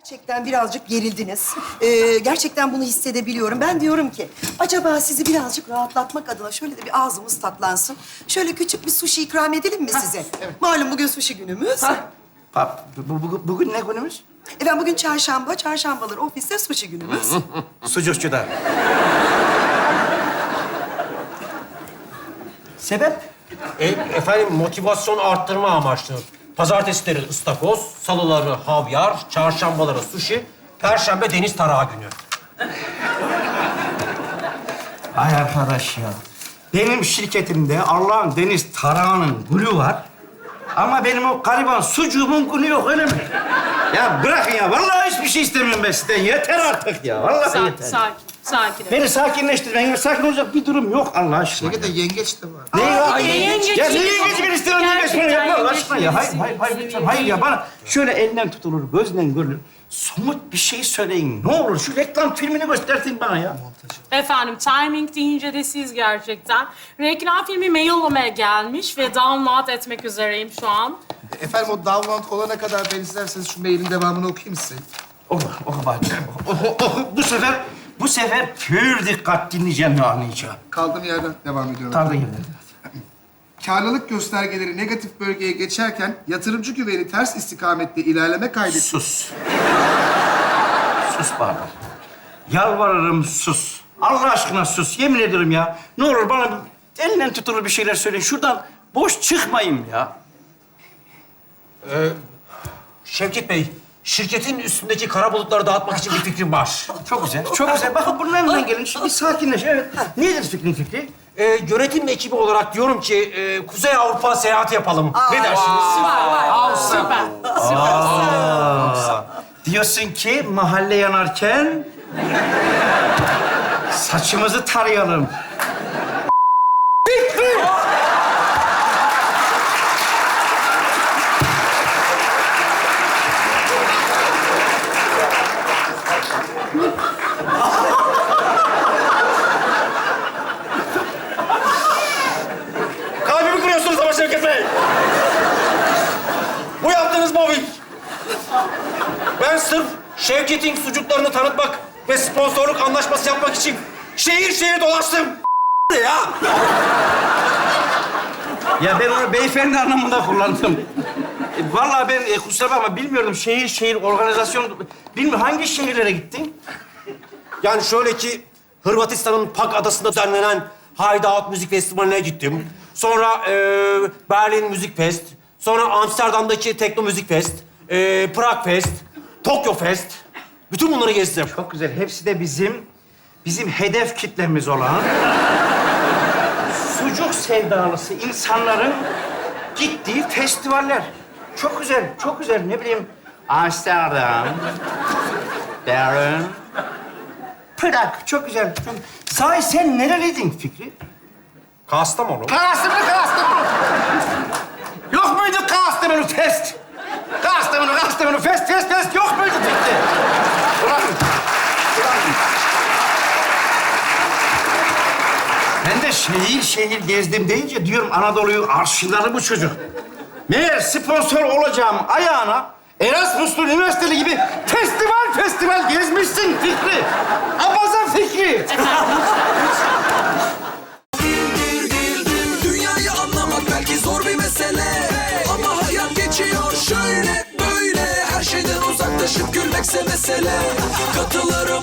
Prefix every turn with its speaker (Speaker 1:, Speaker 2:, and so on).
Speaker 1: Gerçekten birazcık gerildiniz. Gerçekten bunu hissedebiliyorum. Ben diyorum ki acaba sizi birazcık rahatlatmak adına şöyle de bir ağzımız tatlansın. Şöyle küçük bir sushi ikram edelim mi size? Malum bugün sushi günümüz.
Speaker 2: Bugün ne günümüz?
Speaker 1: Ben bugün çarşamba, çarşambaları ofiste sushi günümüz.
Speaker 2: Sucukçuda. Sebep?
Speaker 3: Efendim motivasyon arttırma amaçlı. Pazartesileri ıstakoz, salıları havyar, çarşambaları sushi, perşembe deniz tarağı günü.
Speaker 2: Ay arkadaş ya. Benim şirketimde Allah'ın deniz tarağının gülü var. Ama benim o gariban sucuğumun günü yok, öyle mi? Ya bırakın ya. Vallahi hiçbir şey istemiyorum ben sizden. Yeter artık ya. Vallahi yeter.
Speaker 4: Sakin ol.
Speaker 2: Beni sakinleştirmeyin. Sakin olacak bir durum yok Allah aşkına.
Speaker 5: Şirkette yengeç de var.
Speaker 2: Ne ya?
Speaker 4: yengeç
Speaker 2: Ya
Speaker 4: yok.
Speaker 2: ne yengeci ben istiyorum, yengeç beni yapma Allah
Speaker 4: Gerçekten
Speaker 2: aşkına ya. Hayır, hayır lütfen. Hayır ya, bana şöyle elinden tutulur, gözden görülür. Somut bir şey söyleyin. Ne olur şu reklam filmini göstertin bana ya.
Speaker 4: Efendim, timing deyince de siz gerçekten. Reklam filmi maillamaya gelmiş ve download etmek üzereyim şu an.
Speaker 5: Efendim o download olana kadar ben isterseniz şu mailin devamını okuyayım size.
Speaker 2: Oku bak. Oku. Bu sefer pür dikkat dinleyeceğim ve anlayacağım.
Speaker 5: Kaldığım yerden devam ediyorum.
Speaker 2: Kaldığın yerden.
Speaker 5: Karlılık göstergeleri negatif bölgeye geçerken yatırımcı güveni ters istikamette ilerleme kaydetti.
Speaker 2: Sus. Sus bana. Yalvarırım sus. Allah aşkına sus. Yemin ederim ya. Ne olur bana elinden tutulur bir şeyler söyleyin. Şuradan boş çıkmayayım ya.
Speaker 3: Şevket Bey, şirketin üstündeki kara bulutları dağıtmak için bir fikrim var.
Speaker 2: Çok güzel, çok güzel. Bakın bunun elinden gelin. Şimdi sakinleş. Evet. Nedir fikri?
Speaker 3: Yönetim ekibi olarak diyorum ki Kuzey Avrupa seyahati yapalım. Ne dersiniz?
Speaker 4: Süper.
Speaker 2: Diyorsun ki mahalle yanarken saçımızı tarayalım.
Speaker 3: Kalbimi kırıyorsunuz ama Şevket Bey. Bu yaptığınız mobbing. Ben sırf Şevket'in sucuklarını tanıtmak ve sponsorluk anlaşması yapmak için şehir şehir dolaştım. Ya.
Speaker 2: Ya ben onu beyefendi anlamında kullandım. Vallahi ben kusura bakma bilmiyordum şehir organizasyon. Bilmiyorum hangi şehirlere gittin?
Speaker 3: Yani şöyle ki Hırvatistan'ın Pag adasında düzenlenen Hideout Müzik Festivali'ne gittim. Sonra Berlin Müzik Fest. Sonra Amsterdam'daki Tekno Müzik Fest. Prag Fest. Tokyo Fest. Bütün bunları gezdim.
Speaker 2: Çok güzel. Hepsi de bizim hedef kitlemiz olan sucuk sevdalısı insanların gittiği festivaller. Çok güzel, çok güzel. Ne bileyim Amsterdam, Berlin, Prag. Çok güzel. Çok... Sahi sen nereliydin Fikri?
Speaker 3: Kastamonu.
Speaker 2: Kastamonu. Yok muydu Kastamonu Fest? Kastamonu Fest yok muydu Fikri? Bırakın. Ben de şehir gezdim deyince diyorum Anadolu'yu arşivleri bu çocuk. Meğer sponsor olacağım ayağına Erasmus'lu üniversiteli gibi festival gezmişsin Fikri. Abaza Fikri.
Speaker 6: Dünyayı anlamak belki zor bir mesele, ama hayat geçiyor şöyle böyle. Her şeyden uzaklaşıp gülmekse mesele. Katılır